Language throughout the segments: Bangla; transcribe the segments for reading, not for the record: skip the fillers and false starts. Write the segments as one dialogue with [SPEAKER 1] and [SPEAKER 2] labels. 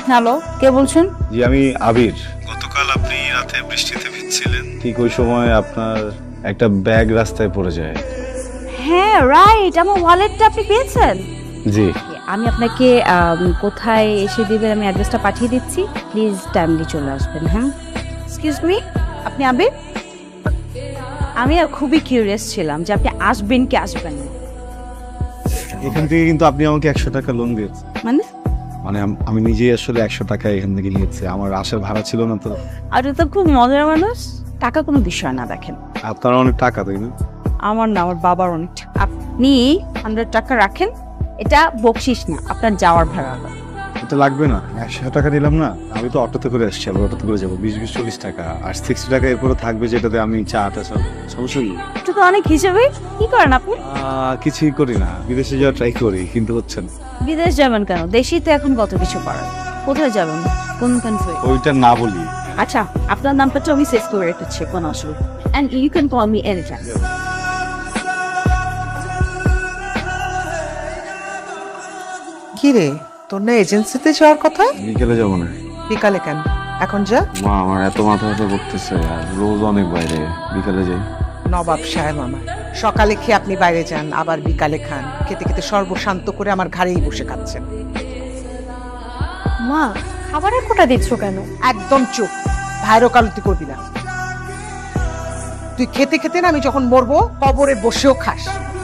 [SPEAKER 1] হ্যালো, কে বলছেন?
[SPEAKER 2] জি আমি আবির। গতকাল আপনি রাতে বৃষ্টিতে ভিজছিলেন, ঠিক ওই সময় আপনার একটা ব্যাগ রাস্তায় পড়ে যায়।
[SPEAKER 1] হ্যাঁ রাইট, আমার ওয়ালেটটা আপনি পেয়েছেন?
[SPEAKER 2] জি।
[SPEAKER 1] আমি আপনাকে কোথায় এসে দিবেন আমি অ্যাড্রেসটা পাঠিয়ে দিচ্ছি, প্লিজ টাইমলি চলে আসবেন। হ্যাঁ, এক্সকিউজ মি, আপনি আবির? আমি আর খুবই কিউরিয়াস ছিলাম যে আপনি আসবেন কি আসবেন না।
[SPEAKER 2] এখান থেকে কিন্তু আপনি আমাকে 100 টাকা লোন দিয়েছেন।
[SPEAKER 1] মানে
[SPEAKER 2] মানে আমি নিজেই আসলে 100 টাকা এখান থেকে নিয়েছি, আমার আসার ভাড়া ছিল না তো।
[SPEAKER 1] আপনি তো খুব মজার মানুষ। টাকা কোনো বিষয় না, দেখেন
[SPEAKER 2] আপনার অনেক টাকা তাই না?
[SPEAKER 1] আমার না, আমার বাবার অনেক টাকা। আপনি 100 টাকা রাখেন, এটা বকশিস না, আপনার যাওয়ার ভাড়া।
[SPEAKER 2] এটা লাগবে না, 100 টাকা দিলাম না। আমি তো অটোতে করে আসছি, আবার অটোতে করে যাবো 20-40 টাকা, আর 60 টাকা এরপরে থাকবে যেটাতে আমি চাটা সব সমস্যা নেই।
[SPEAKER 1] এটা তো অনেক হিসেবে। কি করেন আপনি?
[SPEAKER 2] কিছুই করি না, বিদেশে যাওয়ার ট্রাই করি কিন্তু হচ্ছে না।
[SPEAKER 1] বিদেশ যাবেন কেন? দেশেই তো এখন কত কিছু করার। কোথায় যাবেন, কোন কান্ট্রি?
[SPEAKER 2] ওইটা না বলি।
[SPEAKER 1] আচ্ছা, আপনার নামটা তো আমি সেভ করে রেখেছি, কোনো অসুবিধা। And you can call me any time.
[SPEAKER 3] কি রে, তোর না এজেন্সিতে যাওয়ার কথা?
[SPEAKER 2] বিকেলে যাবো না।
[SPEAKER 3] বিকালে কেন? এখন যা।
[SPEAKER 2] মা আমার এত মাথা ব্যথা করতেছে, আর রোজ অনেক বাইরে, বিকালে যাই।
[SPEAKER 3] নবাব সাহেব আমার, সকালে খেয়ে আপনি বাইরে যান, আবার বিকালে খান। খেতে খেতে সর্বশান্ত করে আমার ঘাড়েই বসে খাচ্ছেন।
[SPEAKER 4] মা, খাবারের কোটা দিচ্ছ কেন?
[SPEAKER 3] একদম চুপ, ভাইরো কালতি করবি না। তুই খেতে খেতে না আমি যখন মরবো কবরে বসেও খাস।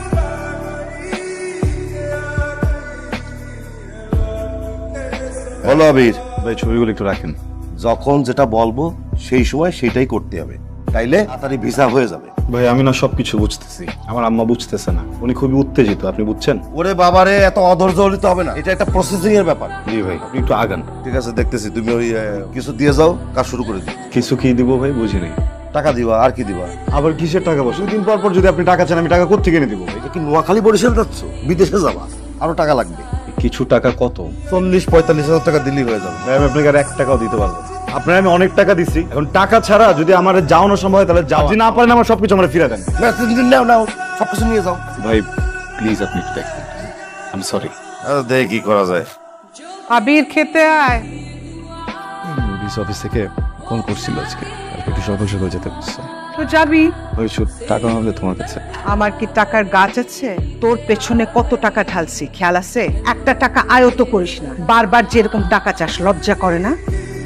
[SPEAKER 5] বলো আবির,
[SPEAKER 2] ভাই ছবিগুলো একটু রাখেন।
[SPEAKER 5] যখন যেটা বলবো সেই সময় সেটাই করতে হবে, তাইলে তাড়াতাড়ি ভিসা হয়ে যাবে।
[SPEAKER 2] ভাই আমি না সবকিছু বুঝতেছি, আমার আম্মা বুঝতেছে না, উনি খুবই উত্তেজিত, আপনি বুঝছেন?
[SPEAKER 5] ওরে বাবারে, এত অধৈর্য হলিতে হবে না, এটা একটা প্রসেসিং এর ব্যাপার।
[SPEAKER 2] জি ভাই, আপনি একটু আগান।
[SPEAKER 5] ঠিক আছে, দেখতেছি। তুমি ওই কিছু দিয়ে যাও, কাজ শুরু করে দিও।
[SPEAKER 2] কিছু কি দিব ভাই, বুঝি নাই।
[SPEAKER 5] টাকা দিবা, আর কি দিবা?
[SPEAKER 2] আবার কিসের টাকা? বসে দুদিন পর পর যদি আপনি টাকা চান, আমি টাকা কোত্থেকে এনে দিব ভাই?
[SPEAKER 5] এটা কি নোয়াখালী বরিশাল যাচ্ছ? বিদেশে যাবা, আরো টাকা লাগবে।
[SPEAKER 2] কিছু টাকা কত?
[SPEAKER 5] 40-45 হাজার টাকা দিলেই হয়ে যাবে।
[SPEAKER 2] ভাই আমি আপনাকে আর 1 টাকাও দিতে পারবো না। আপনার আমি অনেক টাকা দিচ্ছি, এখন টাকা ছাড়া যদি আমার যাওয়ানো সম্ভব হয় তাহলে যাও, যদি না পারেন আমার সবকিছু আমার ফিরে দেন।
[SPEAKER 5] না, তুমি নাও নাও, সবকিছু নিয়ে যাও।
[SPEAKER 2] ভাই প্লিজ আপনি একটু দেখবেন, আই এম সরি।
[SPEAKER 5] দেখি কি করা যায়।
[SPEAKER 3] আবির খেতে আয়।
[SPEAKER 2] পুলিশ অফিস থেকে ফোন করছিল আজকে, কালকে একটু সকাল সকাল যেতে বলছে।
[SPEAKER 3] তো যাবি।
[SPEAKER 2] ওই টাকা হবে তোমার কাছে?
[SPEAKER 3] আমার কি টাকার গাছ আছে? তোর পেছনে কত টাকা ঢালছি খেয়াল আছে? একটা টাকা আয়ত করিস না, বারবার যেরকম টাকা চাস, লজ্জা করে না?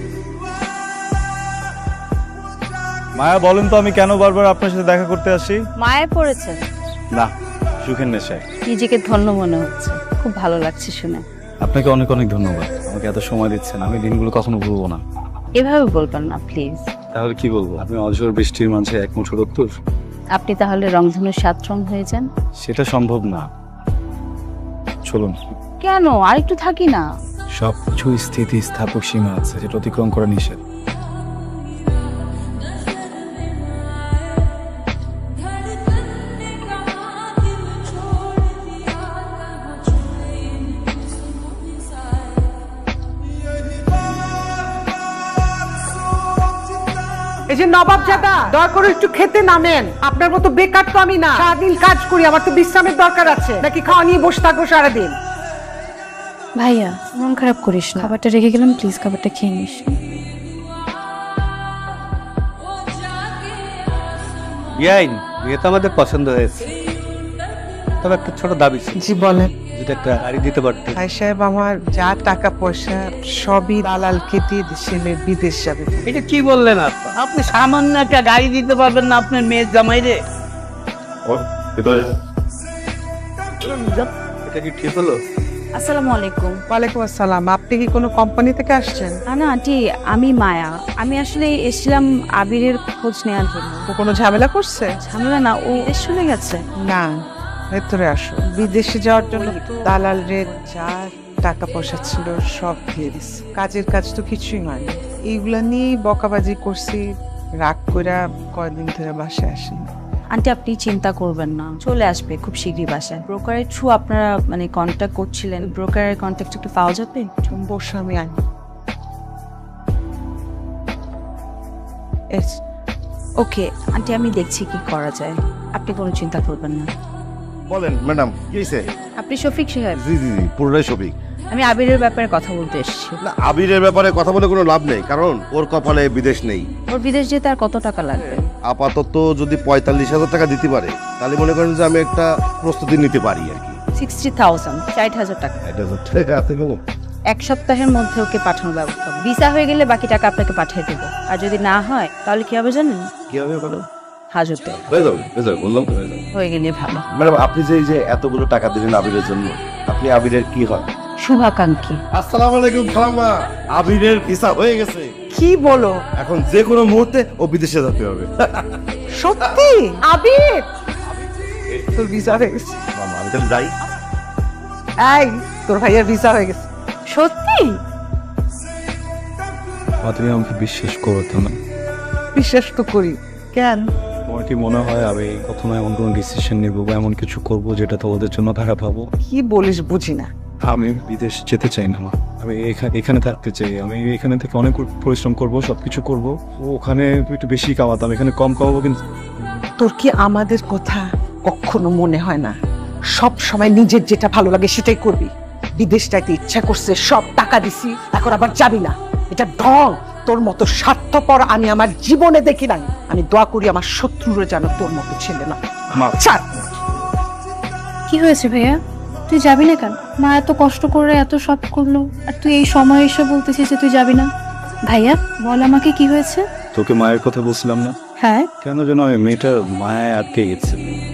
[SPEAKER 2] মায়া বলেন তো আমি কেন বারবার আপনার সাথে দেখা করতে আসি?
[SPEAKER 1] মায়ে পড়েছে?
[SPEAKER 2] না, সুখের নেশায়।
[SPEAKER 1] নিজেকে ধন্য মনে হচ্ছে, খুব ভালো লাগছে শুনে।
[SPEAKER 2] আপনাকে অনেক অনেক ধন্যবাদ, আমাকে এত সময় দিচ্ছেন, আমি দিনগুলো কখনো ভুলবো না।
[SPEAKER 1] এভাবে বলবেন না প্লিজ।
[SPEAKER 2] তাহলে কি বলবো? আপনি অঝোর বৃষ্টির মাঝে এক মুঠো রক্তর।
[SPEAKER 1] আপনি তাহলে রংধনু 7 রং হয়ে যান।
[SPEAKER 2] সেটা সম্ভব না, চলুন।
[SPEAKER 1] কেন, আরেকটু থাকি না?
[SPEAKER 2] সবকিছু স্থিতি স্থাপক সীমা আছে, যেটা অতিক্রম করা নিষেধ।
[SPEAKER 3] এই যে নবাব জাদা, দয়া করে একটু খেতে নামেন। আপনার মতো বেকার তো আমি না, সারাদিন কাজ করি, আমার তো বিশ্রামের দরকার আছে। নাকি খাওয়া নিয়ে বসে থাকবো সারাদিন?
[SPEAKER 4] ভাইয়া, মন খারাপ করিস না, খাবারটা রেখে গেলাম, প্লিজ খাবারটা খেয়ে নিস।
[SPEAKER 6] ইয়াইন, বিয়ে তো আমাদের পছন্দ হয়েছে, তবে একটা ছোট দাবি ছিল।
[SPEAKER 3] জি বলেন।
[SPEAKER 6] যদি একটা গাড়ি দিতে পারতেন।
[SPEAKER 3] ভাই সাহেব, আমার যা টাকা পয়সা সবই দালালকে দিয়ে ছেলে বিদেশ যাবে।
[SPEAKER 6] এটা কি বললেন আপনি? আপনি সামান্য একটা গাড়ি দিতে পারবেন না আপনার মেয়ের জামাই রে? এটা কি ঠিক হলো?
[SPEAKER 1] আসসালামু আলাইকুম।
[SPEAKER 3] ওয়ালাইকুম আসসালাম। আপনি কি কোনো কোম্পানি থেকে আসছেন?
[SPEAKER 1] না আন্টি, আমি মায়া। আমি আসলে এসেছিলাম আবিরের খোঁজ নেওয়ার জন্য।
[SPEAKER 3] ও কোনো ঝামেলা করছে?
[SPEAKER 1] ঝামেলা না, ও দেশ চলে গেছে।
[SPEAKER 3] না, ভেতরে আসো। বিদেশে যাওয়ার জন্য দালাল রে যা টাকা পয়সা ছিল সব দিয়ে দিচ্ছে। কাজের কাজ তো কিছুই হয়নি। এইগুলা নিয়েই বকাবাজি করছি, রাগ কইরা কয়দিন ধরে বাসায় আসেনি।
[SPEAKER 1] আন্টি আপনি চিন্তা করবেন না, চলে আসবে খুব শীঘ্রই বাসায়। ব্রোকারের থ্রু আপনারা মানে কন্ট্যাক্ট করছিলেন, ব্রোকারের কন্ট্যাক্ট একটু পাওয়া যাবে?
[SPEAKER 3] বসে আমি আনি।
[SPEAKER 1] ওকে আন্টি, আমি দেখছি কি করা যায়, আপনি কোনো চিন্তা করবেন না।
[SPEAKER 5] বলেন ম্যাডাম, কি হয়েছে?
[SPEAKER 1] আপনি শফিক সাহেব?
[SPEAKER 5] জি জি জি, পুরোটাই সফিক।
[SPEAKER 1] আমি আবিরের ব্যাপারে কথা বলতে এসেছি।
[SPEAKER 5] না, আবিরের ব্যাপারে কথা বলে কোনো লাভ নেই, কারণ ওর কপালে বিদেশ নেই।
[SPEAKER 1] ওর বিদেশ যেতে আর কত টাকা লাগবে?
[SPEAKER 5] আপাতত যদি 45,000 টাকা দিতে পারে তাহলে মনে করেন যে আমি একটা প্রস্তুতি নিতে পারি আর কি।
[SPEAKER 1] 60,000, 60,000 টাকা।
[SPEAKER 5] এটা হচ্ছে হাতে কলম।
[SPEAKER 1] এক সপ্তাহের মধ্যে ওকে পাঠানোর ব্যবস্থা হবে। ভিসা হয়ে গেলে বাকি টাকা আপনাকে পাঠিয়ে দেবো। আর যদি না হয় তাহলে কি হবে জানেন?
[SPEAKER 5] কি হবে বলো?
[SPEAKER 1] হাজতে
[SPEAKER 5] হয়ে যাবে, বললাম তো হয়ে যাবে।
[SPEAKER 1] হয়ে গেলে ভালো।
[SPEAKER 5] ম্যাডাম, আপনি যে এই যে এতগুলো টাকা দিলেন আবিরের জন্য, আপনি আবিরের কি হয়?
[SPEAKER 1] শুভাকাঙ্ক্ষী।
[SPEAKER 5] আসসালামু আলাইকুম খালাম্মা, আবিরের ভিসা হয়ে গেছে।
[SPEAKER 3] কি বলো?
[SPEAKER 5] এখন যে কোনো মুহূর্তে ও বিদেশে যেতে হবে।
[SPEAKER 3] সত্যি? আবির তোর ভিসা হয়ে গেছে?
[SPEAKER 5] মামা, আমি তাহলে যাই।
[SPEAKER 3] এই তোর ভাইয়ের ভিসা হয়ে গেছে।
[SPEAKER 1] সত্যি?
[SPEAKER 2] তুমি আমাকে বিশ্বাস করতো না।
[SPEAKER 3] বিশ্বাস তো করি। কেন?
[SPEAKER 2] তোমার কি মনে হয় আমি কখনো এমন কোনো ডিসিশন নেবো বা এমন কিছু করবো যেটা তোমাদের জন্য খারাপ হবো?
[SPEAKER 3] কি বলিস বুঝি না।
[SPEAKER 2] আমি বিদেশ যেতে চাই না মা। আমি এখানে থাকতে চাই। আমি এখানে থেকে অনেক পরিশ্রম করবো, সবকিছু করবো। ওখানে একটু বেশি কামাতাম, এখানে কম কামাবো। কিন্তু
[SPEAKER 3] তোর কি আমাদের কথা কখনো মনে হয় না? সব সময় নিজের যেটা ভালো লাগে সেটাই করবি। বিদেশ যাইতে ইচ্ছা করছে, সব টাকা দিছি, এখন আবার যাবি না। এটা ঢং। তোর মতো স্বার্থপর আমি আমার জীবনে দেখি নাই। আমি দোয়া করি আমার শত্রুরা যেন তোর মতো ছেলে না।
[SPEAKER 2] মা,
[SPEAKER 3] ছাড়।
[SPEAKER 4] কি হয়েছে ভাইয়া? তুই যাবি না কেন? মা এত কষ্ট করে এত সব করলো, আর তুই এই সময় এসে বলতেছিস যে তুই যাবি না? ভাইয়া বল আমাকে কি হয়েছে?
[SPEAKER 2] তোকে মায়ের কথা বলছিলাম না?
[SPEAKER 4] হ্যাঁ।
[SPEAKER 2] কেন যেন আমি মেয়েটার মায়ায় আটকে গেছে।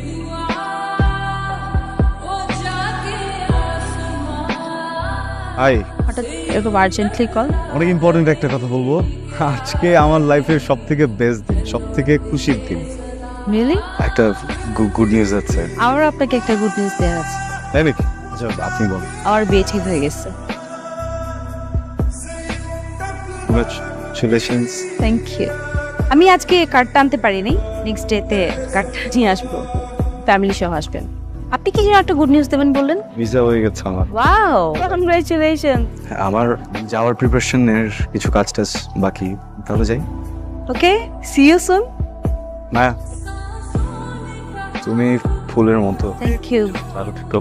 [SPEAKER 2] হাই,
[SPEAKER 1] হঠাৎ এরকম আর্জেন্টলি কল?
[SPEAKER 2] অনেক ইম্পর্টেন্ট একটা কথা বলবো। আজকে আমার লাইফের সব থেকে বেস্ট দিন, সব থেকে খুশির দিন।
[SPEAKER 1] রিয়েলি?
[SPEAKER 2] একটা গুড নিউজ আছে।
[SPEAKER 1] আমার আপনাকে একটা গুড নিউজ দেওয়ার আছে।
[SPEAKER 2] তাই নাকি? আচ্ছা, আপনি বলুন।
[SPEAKER 1] আমার বিয়ে ঠিক হয়ে গেছে।
[SPEAKER 2] কংগ্রাচুলেশনস।
[SPEAKER 1] Thank you. আমি আজকে কার্ডটা আনতে পারিনি, নেক্সট ডেতে কার্ডটা নিয়ে আসবো। ফ্যামিলি সহ আসবেন। আপনি কি যেন একটা গুড নিউজ দেবেন বললেন?
[SPEAKER 2] ভিসা হয়ে গেছে আমার।
[SPEAKER 1] Wow, congratulation.
[SPEAKER 2] আমার যাওয়ার প্রিপারেশনের কিছু কাজ টাজ বাকি, তাহলে যাই।
[SPEAKER 1] Okay, see you soon.
[SPEAKER 2] না, তুমি ফুলের মতো।
[SPEAKER 1] Thank you.
[SPEAKER 2] ভালো থেকো।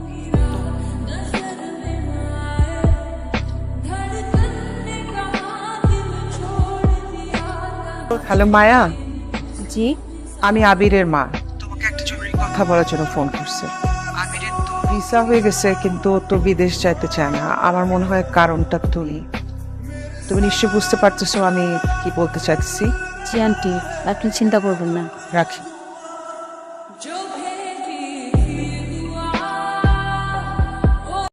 [SPEAKER 3] হ্যালো মায়া,
[SPEAKER 1] জি।
[SPEAKER 3] আমি আবিরের মা। তোমাকে একটা জরুরি কথা বলার জন্য ফোন করছে। আবিরের তো ভিসা হয়ে গেছে, কিন্তু ও তো বিদেশ যাইতে চায় না। আমার মনে হয় কারণটা তুমি নিশ্চয়ই বুঝতে পারতেছো আমি কি বলতে চাইছি।
[SPEAKER 1] জি আন্টি, আপনি চিন্তা করবেন না।
[SPEAKER 3] রাখি।